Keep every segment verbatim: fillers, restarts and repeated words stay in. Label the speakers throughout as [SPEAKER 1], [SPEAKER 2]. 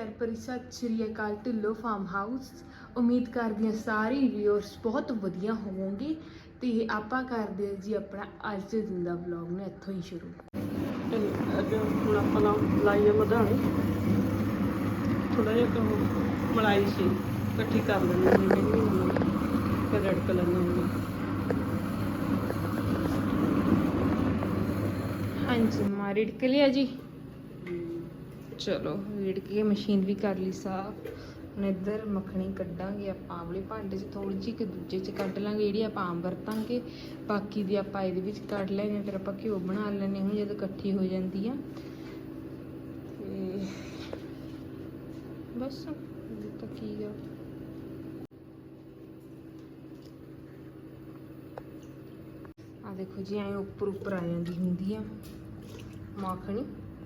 [SPEAKER 1] ਪਿਆਰ ਭਰੀ ਸਤਿ ਸ਼੍ਰੀ ਅਕਾਲ ਢਿੱਲੋਂ ਫਾਰਮ ਹਾਊਸ। ਉਮੀਦ ਕਰਦੀ ਹਾਂ ਸਾਰੇ ਵਿਊਅਰਸ ਬਹੁਤ ਵਧੀਆ ਹੋਵੋਗੇ ਤੇ ਆਪਾਂ ਕਰਦੇ ਹਾਂ ਜੀ ਆਪਣਾ ਅੱਜ ਦੇ ਦਿਨ ਦਾ ਵਲੌਗ ਨੂੰ ਇੱਥੋਂ ਹੀ ਸ਼ੁਰੂ।
[SPEAKER 2] ਅੱਜ ਹੁਣ ਆਪਾਂ ਨਾ ਲਾਈ ਆ ਮਧਾਣੀ, ਥੋੜਾ ਜਿਹਾ ਕਹੋ ਮਲਾਈ ਸੀ ਇਕੱਠੀ ਕਰ ਲੈਣੀ ਹੈ ਕਹਿੰਦੀ ਫਿਰ ਰੈਡ ਕਲਰ ਨੂੰ।
[SPEAKER 1] ਹਾਂਜੀ ਮਾਂ ਰਿੜਕ ਲਿਆ ਜੀ, ਚਲੋ ਰਿੜਕ ਕੇ ਮਸ਼ੀਨ ਵੀ ਕਰ ਲਈ ਸਾਫ਼। ਹੁਣ ਇੱਧਰ ਮੱਖਣੀ ਕੱਢਾਂਗੇ ਆਪਾਂ ਆਵਲੇ ਭਾਂਡੇ 'ਚ, ਥੋੜ੍ਹੀ ਜਿਹੀ ਕਿ ਦੂਜੇ 'ਚ ਕੱਢ ਲਾਂਗੇ ਜਿਹੜੀ ਆਪਾਂ ਆਮ ਵਰਤਾਂਗੇ, ਬਾਕੀ ਦੀ ਆਪਾਂ ਇਹਦੇ ਵਿੱਚ ਕੱਢ ਲੈਂਦੇ ਹਾਂ। ਫਿਰ ਆਪਾਂ ਘਿਓ ਬਣਾ ਲੈਂਦੇ ਹੁਣ ਜਦੋਂ ਇਕੱਠੀ ਹੋ ਜਾਂਦੀ ਆ ਤੇ ਬਸ ਤਾਂ ਕੀ ਆ। ਆ ਦੇਖੋ ਜੀ ਐਂ ਉੱਪਰ ਉੱਪਰ ਆ ਜਾਂਦੀ ਹੁੰਦੀ ਆ ਮੱਖਣੀ।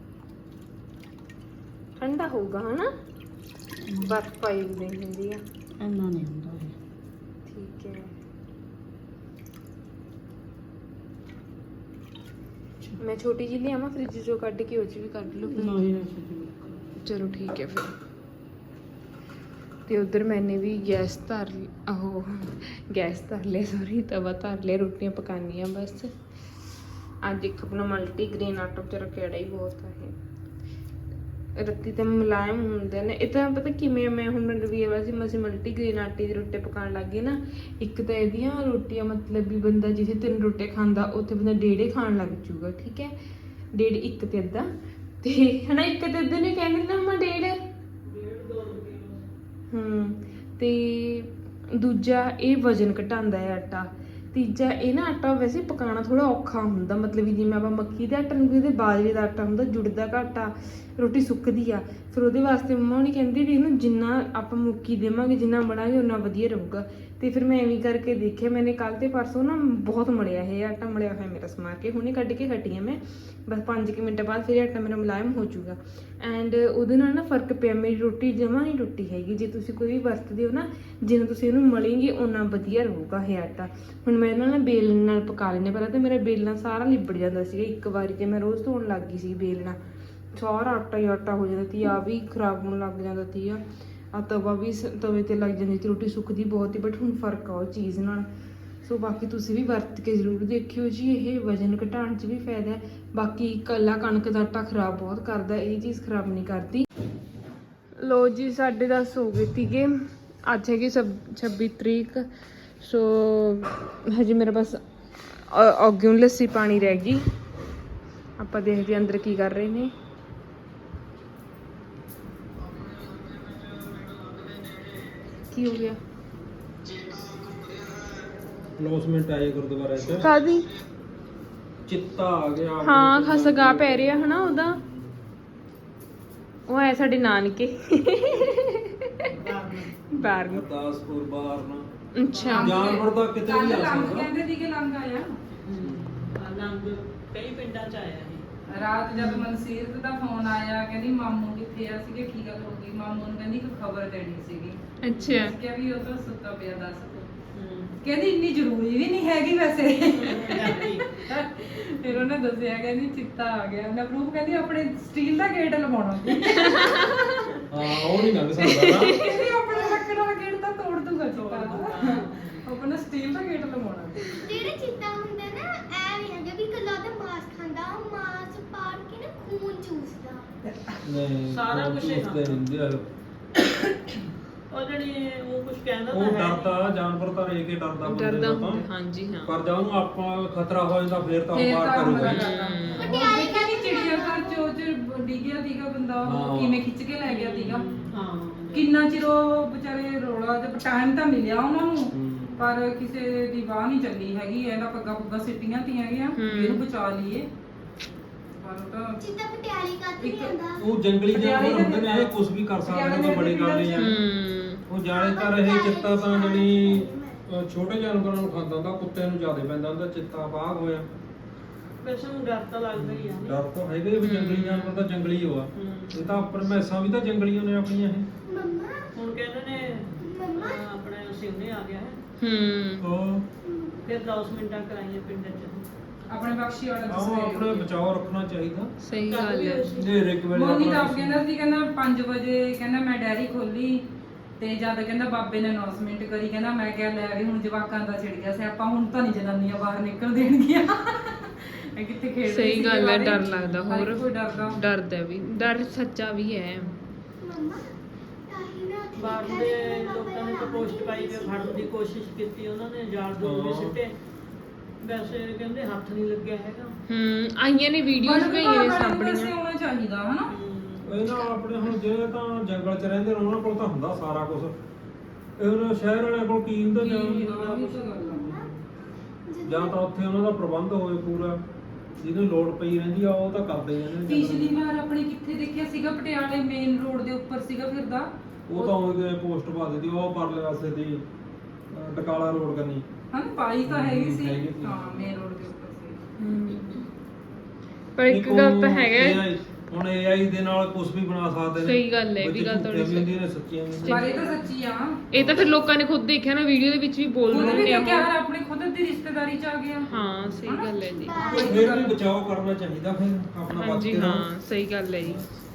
[SPEAKER 1] ਠੰਡਾ ਹੋਊਗਾ ਹਨਾ, ਬਰਫ ਪਾਈ ਵੀ ਹੁੰਦੀ ਆ,
[SPEAKER 2] ਇੰਨਾ ਨਹੀਂ ਹੁੰਦਾ ਇਹ।
[SPEAKER 1] ਠੀਕ ਹੈ। ਮੈਂ ਛੋਟੀ ਜਿਹੀ ਲਿਆਵਾਂ ਫ੍ਰਿਜ ਚੋਂ ਕੱਢ ਕੇ, ਉਹ 'ਚ ਵੀ ਕੱਢ ਲਓ।
[SPEAKER 2] ਨਹੀਂ
[SPEAKER 1] ਚਲੋ ਠੀਕ ਹੈ ਫਿਰ। ਤੇ ਉਧਰ ਮੈਨੇ ਵੀ ਗੈਸ ਧਰ ਉਹ ਗੈਸ ਧਰ ਲਿਆ, ਸੌਰੀ ਤਵਾ ਧਰ ਲਿਆ, ਰੋਟੀਆਂ ਪਕਾਉਣੀਆਂ ਬਸ। ਅੱਜ ਇੱਕ ਆਪਣਾ ਮਲਟੀ ਗ੍ਰੇਨ ਆਟਾ ਵਿਚਾਰਾ ਕਿਹੜਾ ਹੀ ਬਹੁਤ ਆ ਇਹ, ਰੱਤੀ ਤਾਂ ਮੁਲਾਇਮ ਹੁੰਦੇ ਨੇ ਇਹ ਤਾਂ। ਪਤਾ ਕਿਵੇਂ ਮੈਂ ਹੁਣ ਰਵੀਆ ਵਾਸੀ ਮਸੀਂ ਮਲਟੀ ਗ੍ਰੇਨ ਆਟੇ ਦੀ ਰੋਟੀ ਪਕਾਉਣ ਲੱਗ ਗਈ ਨਾ, ਇੱਕ ਤਾਂ ਇਹਦੀਆਂ ਰੋਟੀਆਂ ਮਤਲਬ ਵੀ ਬੰਦਾ ਜਿੱਥੇ ਤਿੰਨ ਰੋਟੀਆਂ ਖਾਂਦਾ ਉੱਥੇ ਬੰਦਾ ਡੇਢੇ ਖਾਣ ਲੱਗ ਜੂਗਾ, ਠੀਕ ਹੈ। ਡੇਢ ਇੱਕ ਤੇ ਅੱਧਾ ਤੇ ਹਨਾ, ਇੱਕ ਤੇ ਅੱਧੇ ਨੇ ਕਹਿੰਦੇ ਨਾ ਮੈਂ ਡੇਢ ਹੂੰ। ਤੇ ਦੂਜਾ ਇਹ ਵਜ਼ਨ ਘਟਾਉਂਦਾ ਹੈ ਆਟਾ। ਤੀਜਾ ਇਹ ਨਾ ਆਟਾ ਵੈਸੇ ਪਕਾਉਣਾ ਥੋੜ੍ਹਾ ਔਖਾ ਹੁੰਦਾ, ਮਤਲਬ ਵੀ ਜਿਵੇਂ ਆਪਾਂ ਮੱਕੀ ਦੇ ਆਟੇ ਨੂੰ ਕਹਿੰਦੇ ਬਾਜਰੇ ਦਾ ਆਟਾ ਹੁੰਦਾ, ਜੁੜਦਾ ਘੱਟ ਆ, ਰੋਟੀ ਸੁੱਕਦੀ ਆ। ਫਿਰ ਉਹਦੇ ਵਾਸਤੇ ਮੰਮਾ ਉਹਨੇ ਕਹਿੰਦੀ ਵੀ ਇਹਨੂੰ ਜਿੰਨਾ ਆਪਾਂ ਮੁੱਕੀ ਦੇਵਾਂਗੇ, ਜਿੰਨਾ ਬਣਾਂਗੇ ਉਨਾ ਵਧੀਆ ਰਹੂਗਾ। ਤੇ ਫਿਰ ਮੈਂ ਐਵੇਂ ਕਰਕੇ ਦੇਖਿਆ, ਮੈਨੇ ਕੱਲ੍ਹ ਤੇ ਪਰਸੋਂ ਨਾ ਬਹੁਤ ਮਲਿਆ ਇਹ ਆਟਾ, ਮਲਿਆ ਹੋਇਆ ਮੇਰਾ ਸਮਾਰ ਕੇ, ਹੁਣੇ ਕੱਢ ਕੇ ਹਟੀ ਹਾਂ ਮੈਂ, ਬਸ ਪੰਜ ਕੁ ਮਿੰਟ ਬਾਅਦ ਫਿਰ ਆਟਾ ਮੇਰਾ ਮੁਲਾਇਮ ਹੋ ਜਾਊਗਾ। ਐਂਡ ਉਹਦੇ ਨਾਲ ਨਾ ਫਰਕ ਪਿਆ, ਮੇਰੀ ਰੋਟੀ ਜਮਾਂ ਨਹੀਂ ਟੁੱਟੀ ਹੈਗੀ। ਜੇ ਤੁਸੀਂ ਕੋਈ ਵੀ ਵਰਤਦੇ ਹੋ ਨਾ, ਜਿਵੇਂ ਤੁਸੀਂ ਇਹਨੂੰ ਮਲੇਂਗੇ ਓਨਾ ਵਧੀਆ ਰਹੂਗਾ ਇਹ ਆਟਾ। ਹੁਣ ਮੈਂ ਇਹਨਾਂ ਨਾਲ ਬੇਲਣ ਨਾਲ ਪਕਾ ਲੈਂਦੇ, ਪਹਿਲਾਂ ਤਾਂ ਮੇਰਾ ਬੇਲਣਾ ਸਾਰਾ ਲਿਬੜ ਜਾਂਦਾ ਸੀਗਾ ਇੱਕ ਵਾਰੀ, ਜੇ ਮੈਂ ਰੋਜ਼ ਧੋਣ ਲੱਗ ਗਈ ਸੀ ਬੇਲਣਾ, ਸਾਰਾ ਆਟਾ ਹੀ ਆਟਾ ਹੋ ਜਾਂਦਾ ਸੀ। ਆ ਵੀ ਖਰਾਬ ਹੋਣ ਲੱਗ ਜਾਂਦਾ ਸੀ ਆ ਆ ਤਵਾ ਵੀ ਤਵੇ 'ਤੇ ਲੱਗ ਜਾਂਦੀ ਸੀ, ਰੋਟੀ ਸੁੱਕਦੀ ਬਹੁਤ ਹੀ। ਬਟ ਹੁਣ ਫਰਕ ਆ ਉਹ ਚੀਜ਼ ਨਾਲ। ਸੋ ਬਾਕੀ ਤੁਸੀਂ ਵੀ ਵਰਤ ਕੇ ਜ਼ਰੂਰ ਦੇਖਿਓ ਜੀ, ਇਹ ਵਜ਼ਨ ਘਟਾਉਣ 'ਚ ਵੀ ਫਾਇਦਾ ਹੈ। ਬਾਕੀ ਇਕੱਲਾ ਕਣਕ ਦਾ ਆਟਾ ਖਰਾਬ ਬਹੁਤ ਕਰਦਾ, ਇਹ ਚੀਜ਼ ਖਰਾਬ ਨਹੀਂ ਕਰਦੀ। ਲੋ ਜੀ ਸਾਢੇ ਦਸ ਹੋ ਗਏ ਸੀਗੇ, ਅੱਜ ਹੈਗੀ ਸਭ ਛੱਬੀ ਤਰੀਕ। ਸੋ ਹਜੇ ਮੇਰਾ ਬਸ ਅੱਗਿਓਂ ਲੱਸੀ ਪਾਣੀ ਰਹਿ ਗਈ। ਆਪਾਂ ਦੇਖਦੇ ਹਾਂ ਅੰਦਰ ਕੀ ਕਰ ਰਹੇ ਨੇ। ਕੀ ਹੋ ਗਿਆ?
[SPEAKER 3] ਅਨਾਉਂਸਮੈਂਟ ਆਈ ਗੁਰਦੁਆਰੇ 'ਚ,
[SPEAKER 1] ਕਾਹਦੀ?
[SPEAKER 3] ਚਿੱਤਾ ਆ ਗਿਆ।
[SPEAKER 1] ਹਾਂ ਖਸਗਾ ਪੈ ਰਿਹਾ ਹਨਾ ਉਹਦਾ। ਉਹ ਹੈ ਸਾਡੇ ਨਾਨਕੇ ਬਾਹਰ ਨੂੰ।
[SPEAKER 3] ਗੁਰਦਾਸਪੁਰ ਬਾਹਰ ਨਾ
[SPEAKER 1] ਅੱਛਾ
[SPEAKER 3] ਜਾਨਵਰ ਤਾਂ ਕਿਤੇ ਵੀ ਆ ਸਕਦਾ।
[SPEAKER 4] ਕਹਿੰਦੇ ਸੀਗੇ ਲੰਘ ਆਇਆ
[SPEAKER 2] ਲੰਗ ਕਈ ਪਿੰਡਾਂ 'ਚ ਆਇਆ ਇਹ।
[SPEAKER 4] ਰਾਤ ਜਦ ਮਨਸੀਰਤ ਦਾ ਫੋਨ ਆਇਆ, ਕਹਿੰਦੀ ਮਾਮੂ ਕਿੱਥੇ ਆ ਸੀਗੇ, ਕੀ ਗੱਲ ਹੋ ਗਈ? ਮਾਮੂ ਨੂੰ ਕਹਿੰਦੀ ਇੱਕ ਖਬਰ ਦੇਣੀ ਸੀਗੀ।
[SPEAKER 1] ਅੱਛਾ
[SPEAKER 4] ਕਿਹਾ ਵੀ ਉਹ ਤਾਂ ਸੁੱਤਾ ਪਿਆ, ਦੱਸ। ਕਹਿੰਦੀ ਇੰਨੀ ਜ਼ਰੂਰੀ ਵੀ ਨਹੀਂ ਹੈਗੀ ਵੈਸੇ। ਫਿਰ ਉਹਨੇ ਦੱਸਿਆ, ਕਹਿੰਦੀ ਚਿੱਤਾ ਆ ਗਿਆ। ਉਹਨੇ ਪ੍ਰੂਫ, ਕਹਿੰਦੀ ਆਪਣੇ ਸਟੀਲ ਦਾ ਗੇਟ ਲਵਾਉਣਾ ਸੀ।
[SPEAKER 3] ਹਾਂ ਉਹ ਨਹੀਂ ਲੰਘ ਸਕਦਾ ਨਾ।
[SPEAKER 4] ਕਹਿੰਦੀ ਆਪਣੇ ਲੱਕੜ ਵਾਲਾ ਗੇਟ ਤਾਂ ਤੋੜ ਦੂਗਾ ਚਿੱਤਾ, ਆਪਣਾ ਸਟੀਲ ਦਾ ਗੇਟ ਲਵਾਉਣਾ ਸੀ।
[SPEAKER 5] ਜਿਹੜੇ ਚਿੱਤਾ ਹੁੰਦਾ ਨਾ, ਐ ਨਹੀਂ ਹੈਗਾ ਵੀ ਕੱਲਾ ਉਹਦਾ ਮਾਸ ਖਾਂਦਾ, ਉਹ ਮਾਸ ਪਾੜ ਕੇ ਨਾ ਖੂਨ ਚੂਸਦਾ।
[SPEAKER 3] ਨਹੀਂ
[SPEAKER 2] ਸਾਰਾ ਕੁਛ ਹੀ
[SPEAKER 3] ਉਸਦੇ ਰਹਿੰਦੇ ਆ।
[SPEAKER 2] ਉਹ ਜਿਹੜੀ ਉਹ ਕੁਝ ਕਹਿੰਦਾ ਤਾਂ
[SPEAKER 3] ਉਹ
[SPEAKER 2] ਹੈ
[SPEAKER 3] ਡਰਦਾ ਜਾਨਵਰ ਤਾਂ ਰੇ ਕੇ ਡਰਦਾ ਬੰਦੇ
[SPEAKER 1] ਡਰਦਾ
[SPEAKER 3] ਤੋਂ।
[SPEAKER 1] ਹੁੰਦਾ, ਹਾਂਜੀ ਹਾਂ।
[SPEAKER 3] ਪਰ ਜਦ ਉਹਨੂੰ ਆਪਾਂ ਖਤਰਾ ਹੋ ਜਾਂਦਾ ਫੇਰ ਤਾਂ ਉਹ
[SPEAKER 4] ਫੇਰ
[SPEAKER 3] ਬਾਹਰ
[SPEAKER 4] ਤਾਂ
[SPEAKER 3] ਕਰੂਗਾ।
[SPEAKER 4] ਪਟਿਆਲੇ ਕਹਿੰਦੀ ਚਿੜੀਆ ਘਰ ਚੋਂ ਚ ਡਿੱਗਿਆ ਸੀਗਾ ਬੰਦਾ, ਉਹ
[SPEAKER 3] ਹਾਂ।
[SPEAKER 4] ਕਿਵੇਂ ਖਿੱਚ ਕੇ ਲੈ ਗਿਆ ਸੀਗਾ।
[SPEAKER 2] ਹਾਂ
[SPEAKER 4] ਕਿੰਨਾ ਚਿਰ ਉਹ ਵਿਚਾਰੇ ਰੋਲਾ ਤੇ ਟਾਈਮ ਤਾਂ ਮਿਲਿਆ ਉਹਨਾਂ ਨੂੰ,
[SPEAKER 3] ਹੂੰ।
[SPEAKER 4] ਪਰ ਕਿਸੇ ਦੀ ਬਾਹ ਨਹੀਂ ਚੱਲੀ ਹੈਗੀ। ਇਹਦਾ ਪੱਗਾ ਪੁੱਗਾ ਸਿੱਟੀਆਂ ਤੀਆਂ ਗਿਆ, ਇਹਨੂੰ ਬਚਾ ਲਈਏ। ਪਰ ਉਹ ਤਾਂ
[SPEAKER 5] ਚਿੱਤਾ ਪਟਿਆਲੇ ਕੱਟ ਨਹੀਂ ਆਉਂਦਾ।
[SPEAKER 3] ਉਹ ਜੰਗਲੀ ਜਾਨਵਰ ਹੁੰਦੇ ਨੇ, ਇਹ ਕੁਝ ਵੀ ਕਰ ਸਕਦੇ ਨੇ, ਕੋਈ ਬੜੀ ਗੱਲ ਨਹੀਂ ਹੈ। ਉਹ ਜ਼ਿਆਦਾਤਰ ਇਹ ਚਿੱਤਾ ਤਾਂ ਜਿਹੜੀ ਅਹ ਛੋਟੇ ਜਾਨਵਰਾਂ ਨੂੰ ਖਾਂਦਾ ਹੁੰਦਾ, ਕੁੱਤੇ ਨੂੰ ਜ਼ਿਆਦਾ ਪੈਂਦਾ ਹੁੰਦਾ ਚਿੱਤਾ ਬਾਘ ਹੋਇਆ।
[SPEAKER 2] ਵੈਸੇ ਨੂੰ ਡਰ ਤਾਂ ਲੱਗਦਾ ਹੀ ਆ।
[SPEAKER 3] ਡਰ ਤਾਂ ਹੈਗੇ ਵੀ ਜੰਗਲੀ ਜਾਨਵਰ ਤਾਂ ਜੰਗਲੀ ਹੋ ਆ। ਇਹ ਤਾਂ ਉੱਪਰ ਮੈਸਾਂ ਵੀ ਤਾਂ ਜੰਗਲੀਆਂ ਨੇ ਆਪਣੀਆਂ ਇਹ।
[SPEAKER 5] ਮੰਮਾ
[SPEAKER 2] ਹੁਣ ਕਹਿੰਦੇ ਨੇ
[SPEAKER 5] ਮੰਮਾ
[SPEAKER 2] ਆਪਣੇ ਸਿਉਨੇ ਆ ਗਿਆ ਹੈ।
[SPEAKER 1] ਹੂੰ
[SPEAKER 3] ਉਹ
[SPEAKER 2] ਫਿਰ ਦਸ ਮਿੰਟਾਂ ਕਰਾਈਆਂ ਪਿੰਡ 'ਚ।
[SPEAKER 4] ਆਪਣੇ ਬਖਸ਼ੀ ਵਾਲਾ
[SPEAKER 3] ਆਹ ਆਪਣੇ ਬਚਾਓ ਰੱਖਣਾ ਚਾਹੀਦਾ।
[SPEAKER 1] ਸਹੀ ਗੱਲ ਹੈ।
[SPEAKER 3] ਹਨੇਰੇ ਕੁ ਵੇਲੇ
[SPEAKER 4] ਮੋਨੀ ਤਾਂ
[SPEAKER 3] ਆਪਣਾ
[SPEAKER 4] ਆਪ ਕਹਿੰਦਾ ਸੀ ਕਹਿੰਦਾ ਪੰਜ ਵਜੇ ਕਹਿੰਦਾ ਮੈਂ ਡੈਰੀ ਖੋਲੀ ਤੇ ਜਦ ਕਹਿੰਦਾ ਬਾਬੇ ਨੇ ਅਨਾਉਂਸਮੈਂਟ ਕਰੀ ਕਹਿੰਦਾ ਮੈਂ ਕਿਹਾ ਲੈ ਵੀ ਹੁਣ ਜਵਾਕਾਂ ਦਾ ਛਿੜ ਗਿਆ ਸਿਆਪਾ ਹੁਣ ਤਾਂ ਨਹੀਂ ਜਨਾਨੀਆਂ ਬਾਹਰ ਨਿਕਲ ਦੇਣਗੀਆਂ। ਇਹ ਕਿੱਥੇ ਖੇਡ
[SPEAKER 1] ਸਹੀ ਗੱਲ ਹੈ, ਡਰ ਲੱਗਦਾ ਹੋਰ
[SPEAKER 4] ਕੋਈ ਡਰਦਾ
[SPEAKER 1] ਡਰਦਾ ਵੀ, ਡਰ ਸੱਚਾ ਵੀ ਹੈ।
[SPEAKER 5] ਮੰਮਾ ਤਾਹੀ ਨਾ ਉੱਥੇ
[SPEAKER 2] ਬਾਹਰ
[SPEAKER 5] ਲਿਖਿਆ
[SPEAKER 2] ਦੇ
[SPEAKER 5] ਸੀ ਕਿ
[SPEAKER 2] ਲੋਕਾਂ ਨੇ
[SPEAKER 5] ਬਾਬਾ
[SPEAKER 2] ਤਾਂ ਪੋਸਟ ਪਾਈ ਤੇ ਫੜਨ ਦੀ ਕੋਸ਼ਿਸ਼ ਕੀਤੀ, ਉਹਨਾਂ ਨੇ ਜਾਲ ਦੋ ਵੀ
[SPEAKER 3] ਹਾਂ।
[SPEAKER 2] ਸਿੱਟੇ, ਵੈਸੇ ਕਹਿੰਦੇ ਹੱਥ ਨਹੀਂ ਲੱਗਿਆ ਹੈਗਾ।
[SPEAKER 1] ਹੂੰ ਆਈਆਂ ਨੇ ਵੀਡੀਓਜ਼ ਪਈਆਂ ਨੇ ਸਾਹਮਣੀਆਂ।
[SPEAKER 4] ਹੋਣਾ ਚਾਹੀਦਾ ਹਨਾ।
[SPEAKER 3] ਇਹ ਨਾ ਆਪਣੇ ਹੁਣ ਜਿਹੜੇ ਤਾਂ ਜੰਗਲ 'ਚ ਰਹਿੰਦੇ ਨੇ ਉਹਨਾਂ ਕੋਲ ਤਾਂ ਹੁੰਦਾ ਸਾਰਾ ਕੁਝ। ਇਹ ਉਹਨਾਂ ਸ਼ਹਿਰ ਵਾਲਿਆਂ ਕੋਲ ਕੀ ਹੁੰਦਾ ਜਾਂ ਜਾਂ ਤਾਂ ਉੱਥੇ ਉਹਨਾਂ ਦਾ ਪ੍ਰਬੰਧ ਹੋਵੇ ਪੂਰਾ, ਜਿਹਨੂੰ ਲੋੜ ਪਈ ਰਹਿੰਦੀ ਆ ਉਹ ਤਾਂ ਕਰਦੇ ਹੀ ਰਹਿੰਦੇ ਨੇ।
[SPEAKER 4] ਪਿਛਲੀ ਵਾਰ ਆਪਣੇ ਕਿੱਥੇ ਦੇਖਿਆ ਸੀਗਾ ਪਟਿਆਲੇ ਮੇਨ ਰੋਡ ਦੇ ਉੱਪਰ ਸੀਗਾ ਫਿਰਦਾ।
[SPEAKER 3] ਉਹ ਤਾਂ ਉਹਦੇ ਪੋਸਟ ਪਾ ਦਿੱਤੀ ਉਹ ਪਰਲੇ ਪਾਸੇ ਦੀ ਅਹ, ਟਕਾਲਾ ਰੋਡ ਕਰਨੀ।
[SPEAKER 4] ਹਾਂ ਪਾਈ ਤਾਂ ਹੈਗੀ ਸੀ।
[SPEAKER 3] ਹੈਗੀ ਸੀ।
[SPEAKER 4] ਹਾਂ ਮੇਨ ਰੋਡ ਦੇ ਉੱਪਰ ਸੀ।
[SPEAKER 1] ਹੂੰ। ਪਰ ਇੱਕ
[SPEAKER 3] ਇੱਕ
[SPEAKER 1] ਗੱਲ ਤਾਂ
[SPEAKER 3] ਉਹ
[SPEAKER 1] ਹੈਗਾ
[SPEAKER 3] A I ਹੁਣ ਏ ਆਈ ਦੇ ਨਾਲ ਕੁਝ ਵੀ ਬਣਾ ਸਕਦੇ ਨੇ।
[SPEAKER 1] ਸਹੀ ਗੱਲ ਹੈ, ਇਹ ਵੀ
[SPEAKER 3] ਵਿੱਚ
[SPEAKER 1] ਗੱਲ ਤੁਹਾਡੀ
[SPEAKER 3] ਝੂਠੀਆਂ ਵੀ ਹੁੰਦੀਆਂ ਨੇ, ਸੱਚੀਆਂ ਵੀ ਹੁੰਦੀਆਂ
[SPEAKER 4] ਪਰ
[SPEAKER 3] ਨੇ।
[SPEAKER 4] ਇਹ ਤਾਂ ਸੱਚੀ ਆ।
[SPEAKER 1] ਇਹ ਤਾਂ ਫਿਰ ਲੋਕਾਂ ਨੇ ਖੁਦ ਦੇਖਿਆ ਨਾ, ਵੀਡੀਓ ਦੇ ਵਿੱਚ ਵੀ ਬੋਲ
[SPEAKER 4] ਉਹਨੇ
[SPEAKER 1] ਰਹੇ
[SPEAKER 4] ਵੀ
[SPEAKER 1] ਨੇ
[SPEAKER 4] ਦੇਖਿਆ
[SPEAKER 1] ਉਹ।
[SPEAKER 4] ਹਰ ਆਪਣੇ ਖੁਦ ਦੀ ਰਿਸ਼ਤੇਦਾਰੀ ਚ ਆ ਗਿਆ।
[SPEAKER 1] ਹਾਂ ਸਹੀ ਗੱਲ ਹੈ ਜੀ।
[SPEAKER 3] ਫਿਰ ਵੀ ਬਚਾਓ ਕਰਨਾ ਚਾਹੀਦਾ ਫਿਰ ਆਪਣਾ ਬਚ
[SPEAKER 1] ਹਾਂਜੀ
[SPEAKER 3] ਕੇ ਰਹੋ।
[SPEAKER 1] ਹਾਂ ਸਹੀ ਗੱਲ ਹੈ ਜੀ।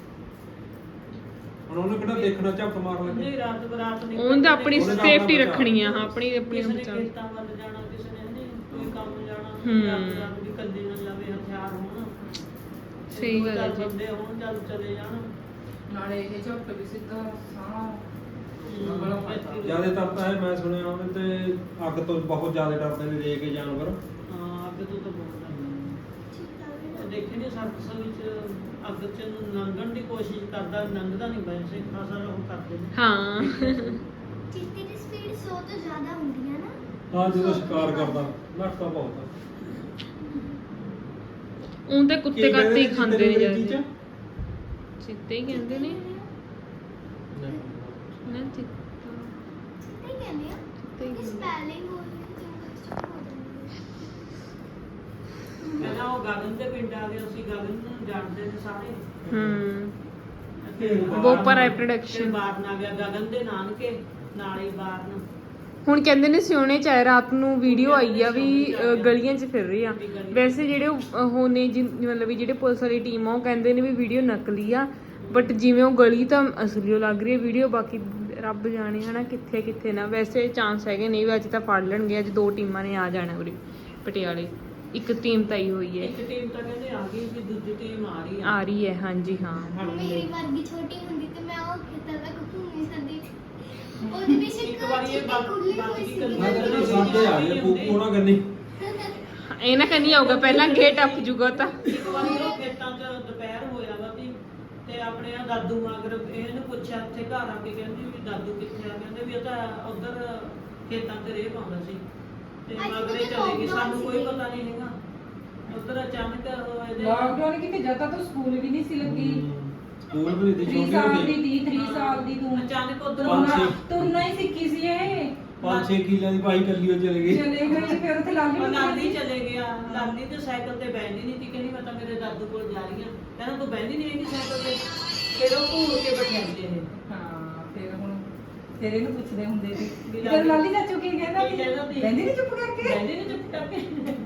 [SPEAKER 3] ਹੁਣ ਉਹਨੇ ਕਿਹੜਾ ਦੇਖਣਾ ਝੱਪ ਮਾਰ
[SPEAKER 2] ਨਹੀਂ
[SPEAKER 3] ਲੱਗੇ।
[SPEAKER 2] ਰਾਤ ਬਰਾਤ ਨਹੀਂ
[SPEAKER 1] ਉਹਨੇ ਤਾਂ ਆਪਣੀ
[SPEAKER 3] ਉਹਨੇ ਤਾਂ
[SPEAKER 1] ਸੇਫਟੀ
[SPEAKER 3] ਆਪਣਾ
[SPEAKER 1] ਰੱਖਣੀ ਆ। ਹਾਂ ਆਪਣੀ ਆਪਣੀ
[SPEAKER 2] ਕਿਸੇ ਨੇ
[SPEAKER 1] ਬਚਾਉ।
[SPEAKER 2] ਖੇਤਾਂ ਵੱਲ ਜਾਣਾ, ਕਿਸੇ ਨੇ ਨਹੀਂ ਕੋਈ ਕੰਮ ਜਾਣਾ,
[SPEAKER 1] ਹੂੰ।
[SPEAKER 2] ਰਾਤ ਰਾਤ ਵੀ ਕੱਲੀ ਨਾ ਜਾਵੇ, ਹਥਿਆਰ ਹੋਣ।
[SPEAKER 1] ਸਹੀ
[SPEAKER 2] ਦੋ
[SPEAKER 1] ਗੱਲ ਹੈ
[SPEAKER 2] ਚਾਰ
[SPEAKER 1] ਜੀ।
[SPEAKER 2] ਬੰਦੇ ਹੋਣ ਚੱਲ ਚਲੇ ਜਾਣ।
[SPEAKER 4] ਨਾਲੇ ਇਹ ਝੱਟ ਵੀ ਸਿੱਧਾ ਸਾਹ
[SPEAKER 3] ਜ਼ਿਆਦਾਤਰ ਤਾਂ ਇਹ ਮੈਂ ਸੁਣਿਆ ਉਹਨੇ ਤੇ ਅੱਗ ਤੋਂ ਬਹੁਤ ਜ਼ਿਆਦਾ ਡਰਦੇ ਨੇ ਰੇ ਕੇ ਜਾਨਵਰ।
[SPEAKER 2] ਹਾਂ ਅੱਗ ਤੋਂ ਤਾਂ ਬਹੁਤ ਡਰਦਾ। ਦੇਖੇ ਨੇ ਸਰਕਸ ਵਿੱਚ ਅੱਗ ਚ ਨੂੰ ਲੰਘਣ ਦੀ ਕੋਸ਼ਿਸ਼ ਕਰਦਾ, ਲੰਘਦਾ ਨਹੀਂ ਵੈਸੇ ਖਾਸਾ ਉਹ ਕਰਦੇ ਨੇ।
[SPEAKER 1] ਹਾਂ
[SPEAKER 5] ਚੀਤੇ ਦੀ ਸਪੀਡ ਸੌ ਤੋਂ ਜ਼ਿਆਦਾ ਹੁੰਦੀ ਹੈ ਨਾ।
[SPEAKER 3] ਹਾਂ ਜਦੋਂ ਸ਼ਿਕਾਰ ਕਰਦਾ ਨੱਠਦਾ ਬਹੁਤ ਆ।
[SPEAKER 1] ਉਹ ਤਾਂ ਕੁੱਤੇ
[SPEAKER 3] ਕੀ
[SPEAKER 1] ਕਾਤੇ ਹੀ
[SPEAKER 3] ਕਹਿੰਦੇ
[SPEAKER 1] ਖਾਂਦੇ ਨੇ
[SPEAKER 3] ਚੀਤੇ ਨੂੰ
[SPEAKER 1] ਜਾਂਦੇ। ਚਿੱਤੇ ਹੀ ਕਹਿੰਦੇ ਨੇ ਨਾ ਚਿੱਤਾ
[SPEAKER 5] ਚੀਤੇ ਹੀ ਕਹਿੰਦੇ ਆ।
[SPEAKER 1] ਚਿੱਤੇ ਹੀ
[SPEAKER 5] ਕਿ
[SPEAKER 1] ਕਹਿੰਦੇ।
[SPEAKER 5] ਸਪੈਲਿੰਗ ਹੋ ਰਹੀ ਹੈ ਜੰਗਲ ਚ ਹੋ ਜਾਂਦੀ ਹੈ।
[SPEAKER 2] ਪਹਿਲਾਂ ਉਹ ਗਗਨ ਦੇ ਪਿੰਡ ਆ ਗਏ, ਅਸੀਂ ਗਗਨ ਨੂੰ ਜਾਣਦੇ ਨੇ ਸਾਰੇ।
[SPEAKER 1] ਹੂੰ
[SPEAKER 2] ਫਿਰ
[SPEAKER 1] ਬੋਪਰ ਆਈ
[SPEAKER 2] ਫਿਰ
[SPEAKER 1] ਪ੍ਰੋਡਕਸ਼ਨ।
[SPEAKER 2] ਬਾਰਨ ਆ ਗਿਆ ਗਗਨ ਦੇ ਨਾਨਕੇ ਨਾਲ ਹੀ ਬਾਰਨ।
[SPEAKER 1] ਹੁਣ ਕਹਿੰਦੇ ਨੇ ਸਿਉਣੇ ਚ ਆਏ ਰਾਤ ਨੂੰ ਵੀਡੀਓ ਆਈ ਆ ਵੀ ਅ, ਗਲੀਆਂ 'ਚ ਫਿਰ ਰਹੀ ਆ। ਵੈਸੇ ਜਿਹੜੇ ਉਹ ਨੇ ਜਿ- ਮਤਲਬ ਵੀ ਜਿਹੜੇ ਪੁਲਿਸ ਵਾਲੀ ਟੀਮ ਆ ਉਹ ਕਹਿੰਦੇ ਨੇ ਵੀ ਵੀਡੀਓ ਨਕਲੀ ਆ, ਬਟ ਜਿਵੇਂ ਉਹ ਗਲੀ ਤਾਂ ਅਸਲੀ ਓ ਲੱਗ ਰਹੀ ਹੈ ਵੀਡੀਓ। ਬਾਕੀ ਰੱਬ ਜਾਣੇ ਹਨਾ ਕਿੱਥੇ ਕਿੱਥੇ ਨਾ। ਵੈਸੇ ਚਾਂਸ ਹੈਗੇ ਨਹੀਂ ਵੀ ਅੱਜ ਤਾਂ ਫੜ ਲੈਣਗੇ। ਅੱਜ ਦੋ ਟੀਮਾਂ ਨੇ ਆ ਜਾਣਾ ਉਰੇ ਪਟਿਆਲੇ। ਇੱਕ ਟੀਮ ਤਾਂ ਹੀ ਹੋਈ ਹੈ,
[SPEAKER 2] ਇੱਕ ਟੀਮ ਤਾਂ ਕਹਿੰਦੇ ਆ ਗਈ ਵੀ ਦੂਜੀ ਟੀਮ ਆ ਰਹੀ ਆ।
[SPEAKER 1] ਆ ਰਹੀ ਹੈ। ਹਾਂਜੀ ਹਾਂ
[SPEAKER 5] ਮੇਰੀ ਵਰਗੀ ਛੋਟੀ ਹੁੰਦੀ ਤੇ ਮੈਂ ਉਹ ਖੇਤਾਂ ਤੱਕ ਘੁੰਮ ਨਹੀਂ ਸਕਦੀ। ਉਹਦੇ ਵਿੱਚ
[SPEAKER 2] ਇੱਕ ਵਾਰੀ ਇਹ ਬਾਤ
[SPEAKER 5] ਖੁੱਲੀ
[SPEAKER 2] ਬਾਤ
[SPEAKER 5] ਹੋਈ
[SPEAKER 2] ਵੀ
[SPEAKER 5] ਸੀ।
[SPEAKER 2] ਕਰਨੀ
[SPEAKER 3] ਮੈਂ ਕਹਿੰਦਾ ਸਾਡੇ ਆ ਗਏ ਪੂਪੂ ਨਾ ਕਰਨੀ।
[SPEAKER 1] ਇਹ ਨਾ ਕਹਿੰਦੀ ਆਊਗਾ ਪਹਿਲਾਂ ਗੇਟ ਟੱਪ ਜੂਗਾ ਤਾਂ।
[SPEAKER 2] ਇੱਕ ਵਾਰੀ ਉਹ ਖੇਤਾਂ 'ਚ ਦੁਪਹਿਰ ਹੋਇਆ ਵਾ ਵੀ ਤੇ ਆਪਣੇ ਆ ਦਾਦੂ ਮਗਰ ਇਹਨੂੰ ਪੁੱਛਿਆ ਉੱਥੇ ਘਰ ਆ ਕੇ, ਕਹਿੰਦੀ ਵੀ ਦਾਦੂ ਕਿੱਥੇ ਆ? ਕਹਿੰਦੇ ਵੀ ਉਹ ਤਾਂ ਉਧਰ ਖੇਤਾਂ 'ਚ ਰੇਹ ਪਾਉਂਦਾ ਸੀ ਤੇ
[SPEAKER 5] ਅੱਜ
[SPEAKER 2] ਮਗਰੇ
[SPEAKER 5] ਤਾਂ
[SPEAKER 2] ਚਲੇ ਗਈ। ਸਾਨੂੰ
[SPEAKER 5] lockdown
[SPEAKER 2] ਕੋਈ
[SPEAKER 5] ਸੀ।
[SPEAKER 2] ਪਤਾ ਨਹੀਂ ਹੈਗਾ। ਉਧਰ ਅਚਾਨਕ ਉਹ ਇਹਦੇ
[SPEAKER 4] ਲਾਕਡਾਊਨ ਕਿਤੇ ਜਦ ਤੱਕ ਸਕੂਲ ਵੀ ਨਹੀਂ ਸੀ ਲੱਗੀ।
[SPEAKER 3] ਸਕੂਲ ਵੀ ਦੀ
[SPEAKER 4] तीन
[SPEAKER 3] ਛੋਟੀ
[SPEAKER 4] साल
[SPEAKER 3] ਹੁੰਦੀ
[SPEAKER 4] ਦੀ ਦੀ तीन ਸਾਲ ਦੀ ਤੂੰ
[SPEAKER 2] ਅਚਾਨਕ ਉਧਰ
[SPEAKER 3] ਪੰਜ ਛੇ।
[SPEAKER 4] ਤੁਰਨਾ ਹੀ ਸਿੱਖੀ ਸੀ ਇਹ।
[SPEAKER 3] ਪੰਜ ਛੇ ਕਿੱਲਿਆਂ ਦੀ ਪਾਈ ਕੱਲੀ ਉਹ ਚਲੇ ਗਈ।
[SPEAKER 4] ਚਲੇ ਗਈ ਫਿਰ ਉੱਥੇ ਲਾਲੀ
[SPEAKER 2] ਉਹ
[SPEAKER 4] ਨੂੰ
[SPEAKER 2] ਲਾਲੀ ਚਲੇ ਗਿਆ। ਲਾਲੀ ਤੇ ਸਾਈਕਲ ਤੇ ਬੈਠਦੀ ਨਹੀਂ ਸੀ। ਕਹਿੰਦੀ ਮੈਂ ਤਾਂ ਮੇਰੇ ਦਾਦੂ ਕੋਲ ਜਾ ਰਹੀ ਹਾਂ। ਕਹਿੰਦਾ ਤੂੰ ਬੈਠਦੀ ਨਹੀਂ ਹੈਗੀ ਸਾਈਕਲ ਤੇ। ਫਿਰ ਉਹ ਘੂਰ ਕੇ ਬਿਠਾਉਂਦੇ ਨੇ।
[SPEAKER 4] ਹਾਂ ਫਿਰ ਹੁਣ ਤੇਰੇ ਨੂੰ ਪੁੱਛਦੇ ਹੁੰਦੇ ਸੀ
[SPEAKER 2] ਵੀ
[SPEAKER 4] ਤੇ
[SPEAKER 2] ਲਾਲੀ-
[SPEAKER 4] ਲਾਲੀ ਚਾਚੂ ਕੀ ਕਹਿੰਦਾ
[SPEAKER 2] ਕੀ ਕਹਿੰਦਾ ਸੀ?
[SPEAKER 4] ਕਹਿੰਦੀ ਨਹੀਂ ਚੁੱਪ ਕਰਕੇ
[SPEAKER 2] ਬੈਠਦੀ ਨਹੀਂ ਚੁੱਪ ਕਰਕੇ।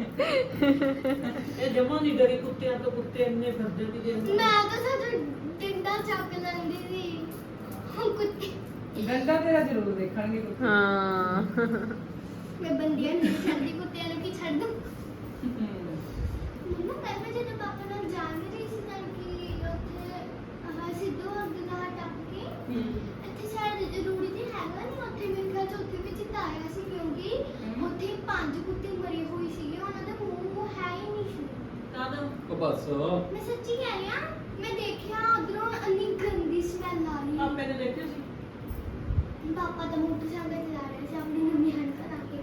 [SPEAKER 2] ਇਹ ਜਮਾਂ ਨਹੀਂ ਡਰੀ ਕੁੱਤਿਆਂ ਤੋਂ। ਕੁੱਤੇ ਇੰਨੇ ਫਿਰਦੇ ਸੀਗੇ।
[SPEAKER 5] ਮੈਂ ਤਾਂ ਸੱਚ ਡੰਡਾ ਚੱਕ ਲੈਂਦੀ ਸੀ। ਹੁਣ ਕੁੱਤੇ
[SPEAKER 4] ਗੰਦਾ ਤੇਰਾ ਜ਼ਰੂਰ ਦੇਖਣਗੇ ਕੁੱਤੇ।
[SPEAKER 1] ਹਾਂ
[SPEAKER 5] ਮੈਂ ਬੰਦੀਆਂ ਨਹੀਂ ਛੱਡਦੀ, ਕੁੱਤਿਆਂ ਨੂੰ ਕੀ ਛੱਡ ਦੂੰ।
[SPEAKER 4] ਹਮ।
[SPEAKER 5] ਮੰਮਾ ਮੈਂ ਵੀ ਜਦੋਂ ਪਾਪਾ ਨਾਲ ਜਾ ਵੀ ਰਹੀ ਸੀ ਤਾਂ ਕਿ ਉੱਥੇ ਆਹ ਸਿੱਧੂ ਅੱਗੇ ਨਾਲ ਟੱਪ ਕੇ ਇੱਥੇ ਸ਼ਾਇਦ ਰੂੜੀ ਤੇ ਹੈਗਾ ਨਹੀਂ, ਉੱਥੇ ਮੇਰੇ ਖਿਆਲ 'ਚ ਉੱਥੇ ਵੀ ਚਿੱਤਾ ਆਇਆ ਸੀ ਕਿਉਂਕਿ ਉੱਥੇ ਪੰਜ ਕੁੱਤੇ ਮਰੇ ਹੋਏ ਸੀਗੇ। ਉਹਨਾਂ ਦਾ ਮੂੰਹ ਹੈ ਹੀ ਨਹੀਂ ਸੀ।
[SPEAKER 2] ਕਾਹਦਾ?
[SPEAKER 3] ਉਹ ਬਸ
[SPEAKER 5] ਮੈਂ ਸੱਚੀ ਕਹਿ ਰਹੀ ਹਾਂ, ਮੈਂ ਦੇਖਿਆ ਉਧਰੋਂ ਇੰਨੀ ਗੰਦੀ ਸਮੈਲ ਆ ਰਹੀ।
[SPEAKER 2] ਆਪੇ ਨੇ ਦੇਖਿਆ ਸੀ।
[SPEAKER 5] ਪਾਪਾ ਤਾਂ ਮੋਟਰਸਾਈਕਲ ਚਲਾ ਰਹੇ ਸੀ ਆਪਣੀ ਨਵੀਂ ਹੰਕ ਲਾ ਕੇ।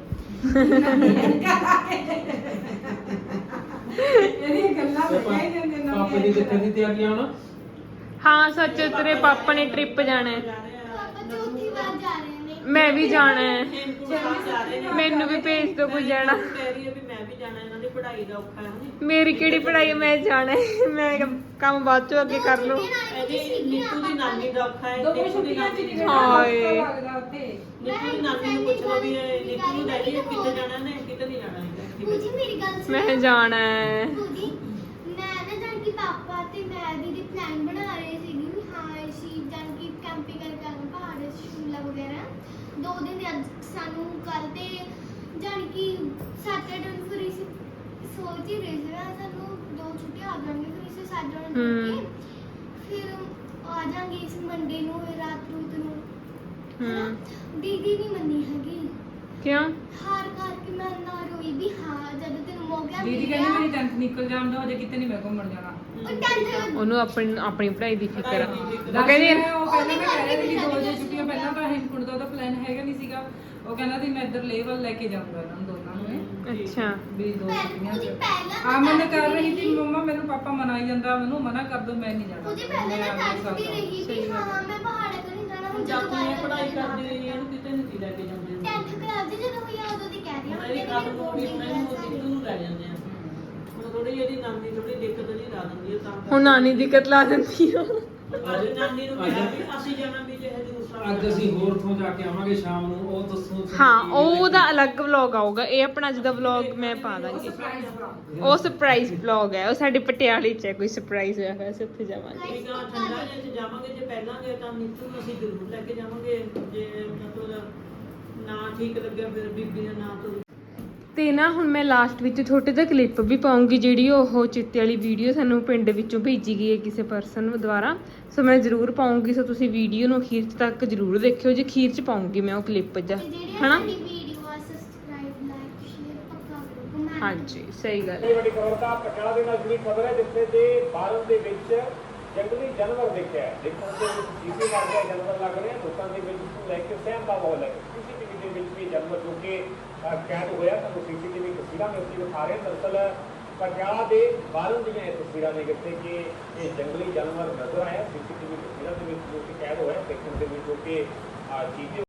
[SPEAKER 4] ਇਹਦੀਆਂ ਗੱਲਾਂ ਬਤਾਈ ਜਾਂਦੇ ਨਾ
[SPEAKER 3] ਪਾਪੇ ਦੀ ਕਿੱਥੇ ਦੀ ਤਿਆਰੀਆਂ ਹੁਣ?
[SPEAKER 1] ਹਾਂ ਸੱਚ ਤੇਰੇ ਪਾਪਾ ਨੇ ਟ੍ਰਿਪ ਜਾਣਾ ਹੈ।
[SPEAKER 5] ਪਾਪਾ ਚੌਥੀ ਵਾਰ ਜਾ ਰਹੇ ਨੇ।
[SPEAKER 1] ਮੈਂ ਵੀ ਜਾਣਾ ਹੈ।
[SPEAKER 2] ਹੇਮਕੁੰਟ ਸਾਹਿਬ ਜਾ ਰਹੇ ਨੇ।
[SPEAKER 1] ਮੈਨੂੰ ਵੀ ਭੇਜ ਦਿਓ ਕੋਈ ਜਾਣਾ।
[SPEAKER 2] ਮੈਂ ਕਹਿ ਰਹੀ ਹਾਂ ਵੀ ਮੈਂ ਵੀ ਜਾਣਾ। ਇਹਨਾਂ ਦੀ ਪੜ੍ਹਾਈ ਦਾ ਔਖਾ ਹੈ ਹੁਣ।
[SPEAKER 1] ਮੇਰੀ ਕਿਹੜੀ ਪੜ੍ਹਾਈ ਹੈ, ਮੈਂ ਜਾਣਾ ਹੈ। ਮੈਂ ਕੰਮ ਬਾਅਦ ਚੋਂ ਅੱਗੇ ਕਰ ਲਓ।
[SPEAKER 2] ਇਹਦੀ ਨੀਤੂ ਦੀ ਨਾਨੀ ਦਾ ਔਖਾ ਹੈ।
[SPEAKER 4] ਦੋ
[SPEAKER 2] ਨੀਤੂ ਦੀ
[SPEAKER 4] ਛੁੱਟੀਆਂ ਚ
[SPEAKER 2] ਨਾਨੀ
[SPEAKER 4] ਨਹੀਂ
[SPEAKER 1] ਹਾਏ।
[SPEAKER 4] ਲੱਗਦਾ ਉੱਥੇ।
[SPEAKER 2] ਨੀਤੂ ਦੀ ਨਾਨੀ ਨੂੰ ਪੁੱਛ ਲਓ ਵੀ ਇਹ ਨੀਤੂ ਨੂੰ ਲੈ ਜਾਈਏ ਕਿੱਥੇ ਜਾਣਾ ਨੇ, ਕਿਤੇ ਨਹੀਂ ਜਾਣਾ ਹੈਗਾ। ਛੇਤੀ
[SPEAKER 5] ਪੂਜੀ ਮੇਰੀ ਗੱਲ ਸੁਣੋ
[SPEAKER 1] ਮੈਂ ਜਾਣਾ ਹੈ।
[SPEAKER 5] ਪੂਜੀ ਮੈਂ ਨਾ ਜਾਣ ਕਿ ਪਾਪਾ ਤੇ ਮੈਂ ਦੀਦੀ ਪਲਾਨ ਬਣਾ ਰਹੇ ਸੀਗੇ ਵੀ ਹਾਂ ਅਸੀਂ ਜਾਣ ਕਿ ਕੈਂਪਿੰਗ ਕਰਕੇ ਆਵਾਂਗੇ ਪਹਾੜ ਸ਼ਿਮਲਾ ਵਗੈਰਾ ਦੋ ਦਿਨ ਦੇ ਅੱਜ ਸਾਨੂੰ ਕੱਲ ਤੇ ਜਾਣ ਕਿ ਸੈਟਰਡੇ ਨੂੰ ਫਿਰ ਅਸੀਂ ਸੋਚ ਹੀ ਰਹੇ ਸੀ ਨਾ ਸਾਨੂੰ ਦੋ ਛੁੱਟੀਆਂ ਆ ਜਾਣਗੀਆਂ ਫਿਰ ਅਸੀਂ ਸੈਟਰਡੇ ਨੂੰ
[SPEAKER 1] ਹਮ।
[SPEAKER 5] ਕੇ ਫਿਰ ਆ ਜਾਾਂਗੇ ਇਸ ਮੰਡੇ ਨੂੰ ਰਾਤ ਰੂਤ ਨੂੰ ਹਨਾ?
[SPEAKER 1] ਹੂੰ
[SPEAKER 5] ਦੀਦੀ ਨਹੀਂ ਮੰਨੀ ਹੈਗੀ
[SPEAKER 1] ਕਿਉਂ?
[SPEAKER 5] ਹਾਰ ਕਰਕੇ ਮੈਂ ਨਾ ਰੋਈ ਵੀ ਹਾਂ ਜਦੋਂ ਤੈਨੂੰ ਮੌਕਾ
[SPEAKER 4] ਦੀਦੀ
[SPEAKER 5] ਮਿਲਿਆ
[SPEAKER 4] ਕਹਿੰਦੀ ਮੇਰੀ ਟੈਂਥ ਨਿਕਲ ਜਾਣ ਦੋ ਹਜੇ ਕਿਤੇ ਨਹੀਂ ਮੈਂ ਘੁੰਮਣ ਜਾਣਾ
[SPEAKER 5] ਉਹ ਟੈਂਥ
[SPEAKER 1] ਉਹਨੂੰ ਆਪਣੀ ਆਪਣੀ ਪੜ੍ਹਾਈ ਦੀ ਫਿਕਰ ਆ।
[SPEAKER 2] ਪੜ੍ਹਾਈ ਦੀ ਫਿਕਰ।
[SPEAKER 1] ਉਹ ਕਹਿੰਦੀ
[SPEAKER 4] ਮੈਂ ਉਹ ਪਹਿਲਾਂ ਮੈਂ ਕਹਿ ਰਹੀ ਸੀ
[SPEAKER 5] ਉਹਦੇ
[SPEAKER 4] ਦੋ ਜੇ
[SPEAKER 5] ਕਰਕੇ
[SPEAKER 4] ਛੁੱਟੀਆਂ ਪਹਿਲਾਂ ਤਾਂ ਹਿੰਦਕੁੰਡ ਦਾ ਉਹਦਾ ਪਲਾਨ ਹੈਗਾ ਨਹੀਂ ਸੀਗਾ ਉਹ ਕਹਿੰਦਾ ਸੀ ਮੈਂ ਇੱਧਰ ਲੇਵਲ ਲੈ ਕੇ ਜਾਊਂਗਾ ਇਹਨਾਂ ਨੂੰ ਦੋਨਾਂ ਨੂੰ ਇਹ।
[SPEAKER 1] ਅੱਛਾ
[SPEAKER 4] ਵੀ ਦੋ ਛੁੱਟੀਆਂ
[SPEAKER 5] ਉਹਦੀ
[SPEAKER 4] ਚ
[SPEAKER 5] ਪਹਿਲਾਂ
[SPEAKER 4] ਆ ਮੈਂ ਕਰ ਰਹੀ ਸੀ ਮੰਮਾ ਮੈਨੂੰ ਪਾਪਾ ਮਨਾਈ ਜਾਂਦਾ ਮੈਨੂੰ ਮਨਾ ਕਰ ਦੋ ਮੈਂ ਨਹੀਂ ਜਾਣਾ
[SPEAKER 5] ਉਹਦੀ ਪਹਿਲਾਂ
[SPEAKER 4] ਮੈਂ
[SPEAKER 5] ਨਾ
[SPEAKER 4] ਆਪਣੇ
[SPEAKER 5] ਟੈਂਥ ਦੀ
[SPEAKER 4] ਹਿਸਾਬ ਨਾਲ।
[SPEAKER 5] ਰਹੀ ਵੀ ਹਾਂ ਮੈਂ ਪਹਾੜਾਂ ਤੋਂ ਨਹੀਂ ਜਾਣਾ ਹੁਣ
[SPEAKER 2] ਜਦ ਤੂੰ ਇਹ ਪੜ੍ਹਾਈ
[SPEAKER 5] ਦੁਬਾਰਾ
[SPEAKER 2] ਕਰਦੀ ਰਹੀ ਇਹਨੂੰ ਕਿਤੇ ਨਹੀਂ ਸੀ ਲੈ ਕੇ ਜਾਂਦੇ
[SPEAKER 5] ਟੈਂਥ ਕਲਾਸ ਦੀ ਜਦੋਂ ਹੋਈ ਆ ਉਦੋਂ ਦੀ ਕਹਿ ਰਹੀ
[SPEAKER 2] ਹੁਣ
[SPEAKER 5] ਹਾਂ
[SPEAKER 2] ਇਹਦੀ
[SPEAKER 5] ਕਿ
[SPEAKER 2] ਕੱਲ
[SPEAKER 5] ਮੇਰੇ
[SPEAKER 2] ਨੂੰ
[SPEAKER 5] ਕੋਲ
[SPEAKER 2] ਵੀ
[SPEAKER 5] ਨਹੀਂ
[SPEAKER 2] ਮੈਨੂੰ
[SPEAKER 5] ਕਲਾਸ
[SPEAKER 2] ਸਿੱਧੂ ਨੂੰ ਲੈ ਜਾਂਦੇ ਆ ਹੁਣ ਥੋੜੀ ਇਹਦੀ ਨਾਨੀ ਥੋੜੀ ਦਿੱਕਤ ਨਹੀਂ ਲਾ ਦਿੰਦੀ ਹੈ ਤਾਂ
[SPEAKER 1] ਹੁਣ ਨਾਨੀ ਦਿੱਕਤ ਲਾ ਦਿੰਦੀ ਆ।
[SPEAKER 2] ਅੱਜ ਨਾਨੀ ਨੂੰ ਕਿਹਾ ਵੀ ਅਸੀਂ ਜਾਣਾ ਵੀ ਜੇ ਹਜੂਰ ਸਾਹਿਬ
[SPEAKER 3] ਅੱਜ ਅਸੀਂ ਹੋਰ ਤੋਂ ਜਾ ਕੇ ਆਵਾਂਗੇ ਸ਼ਾਮ ਨੂੰ ਉਹ ਦੱਸੋ ਸਾਨੂੰ
[SPEAKER 1] ਹਾਂ
[SPEAKER 3] ਕੀ
[SPEAKER 1] ਉਹ ਉਹਦਾ
[SPEAKER 3] ਹੈ।
[SPEAKER 1] ਅਲੱਗ ਵਲੌਗ ਆਊਗਾ ਇਹ ਆਪਣਾ ਅੱਜ ਦਾ ਵਲੌਗ ਮੈਂ ਪਾ ਦਾਂਗੀ ਉਹ ਸਰਪ੍ਰਾਈਜ਼ ਵਲੌਗ ਹੈ ਉਹ ਸਾਡੇ ਪਟਿਆਲੇ ਚ ਹੈ ਕੋਈ ਸਰਪ੍ਰਾਈਜ਼ ਹੋਇਆ ਹੋਇਆ ਅਸੀਂ ਉੱਥੇ ਜਾਵਾਂਗੇ
[SPEAKER 2] ਠੀਕ ਆ ਠੰਡਾ ਜੇ ਚ ਜਾਵਾਂਗੇ ਜੇ ਪਹਿਲਾਂ ਗਏ ਤਾਂ ਨੀਤੂ ਨੂੰ ਅਸੀਂ ਜ਼ਰੂਰ ਲੈ ਕੇ ਜਾਵਾਂਗੇ ਜੇ ਮਤਲਬ ਨਾ ਠੀਕ ਲੱਗਿਆ ਫਿਰ ਬੀਬੀ ਦਾ ਨਾਂ ਤੋਂ
[SPEAKER 1] ਤੇ ਨਾ ਹੁਣ ਮੈਂ ਲਾਸਟ ਵਿੱਚ ਛੋਟੇ ਜਿਹਾ ਕਲਿੱਪ ਵੀ ਪਾਉਂਗੀ ਜਿਹੜੀ ਉਹ ਚਿੱਤੇ ਵਾਲੀ ਵੀਡੀਓ ਸਾਨੂੰ ਪਿੰਡ ਵਿੱਚੋਂ ਭੇਜੀ ਗਈ ਹੈ ਕਿਸੇ ਪਰਸਨ ਦੁਆਰਾ ਸੋ ਮੈਂ ਜ਼ਰੂਰ ਪਾਉਂਗੀ ਸੋ ਤੁਸੀਂ ਵੀਡੀਓ ਨੂੰ ਅਖੀਰ ਤੱਕ ਜ਼ਰੂਰ ਦੇਖਿਓ ਜੇ ਅਖੀਰ ਚ ਪਾਉਂਗੀ ਮੈਂ ਉਹ ਕਲਿੱਪ ਜਾ
[SPEAKER 5] ਤੇ ਜਿਹੜੀ
[SPEAKER 1] ਹਨਾ
[SPEAKER 5] ਸਾਡੀ ਵੀਡੀਓ ਆ ਸਬਸਕ੍ਰਾਈਬ ਲਾਈਕ ਸ਼ੇਅਰ ਪੱਕਾ ਕਰੋ ਕਮੈਂਟ
[SPEAKER 1] ਹਾਂਜੀ ਸਹੀ ਗੱਲ
[SPEAKER 6] ਬੜੀ ਵੱਡੀ ਖਬਰ ਦਾ ਪਟਿਆਲਾ ਦੇ ਨਾਲ ਜੁੜੀ ਖਬਰ ਹੈ ਜਿੱਥੇ ਦੇ ਬਾਰਨ ਦੇ ਵਿੱਚ ਜੰਗਲੀ ਜਾਨਵਰ ਦੇਖਿਆ ਹੈ ਦੇਖਣ ਦੇ ਵਿੱਚ ਜੀਵੇ ਵਰਗੇ ਜਾਨਵਰ ਲੱਗ ਰਹੇ ਹਨ ਲੋਕਾਂ ਦੇ ਵਿੱਚ ਇਸ ਨੂੰ ਲੈ ਕੇ ਸਹਿਮ ਦਾ ਮਾਹੌਲ ਹੈ ਸੀਸੀਟੀਵੀ ਦੇ ਵਿੱਚ ਵੀ ਜਾਨਵਰ ਜੋ ਕਿ ਅਹ, ਕੈਦ ਹੋਇਆ ਤੁਹਾਨੂੰ ਸੀਸੀਟੀਵੀ ਤਸਵੀਰਾਂ ਵਿੱਚ ਅਸੀਂ ਦਿਖਾ ਰਹੇ ਹਾਂ। ਦਰਅਸਲ ਪਟਿਆਲਾ ਦੇ ਬਾਰਨ ਦੀਆਂ ਇਹ ਤਸਵੀਰਾਂ ਨੇ ਜਿੱਥੇ ਕਿ ਇਹ ਜੰਗਲੀ ਜਾਨਵਰ ਨਜ਼ਰ ਆਇਆ ਸੀਸੀਟੀਵੀ ਤਸਵੀਰਾਂ ਦੇ ਵਿੱਚ ਜੋ ਕਿ ਕੈਦ ਹੋਇਆ ਦੇਖਣ ਦੇ ਵਿੱਚ ਜੋ ਕਿ ਅਹ, ਜੀਵੇ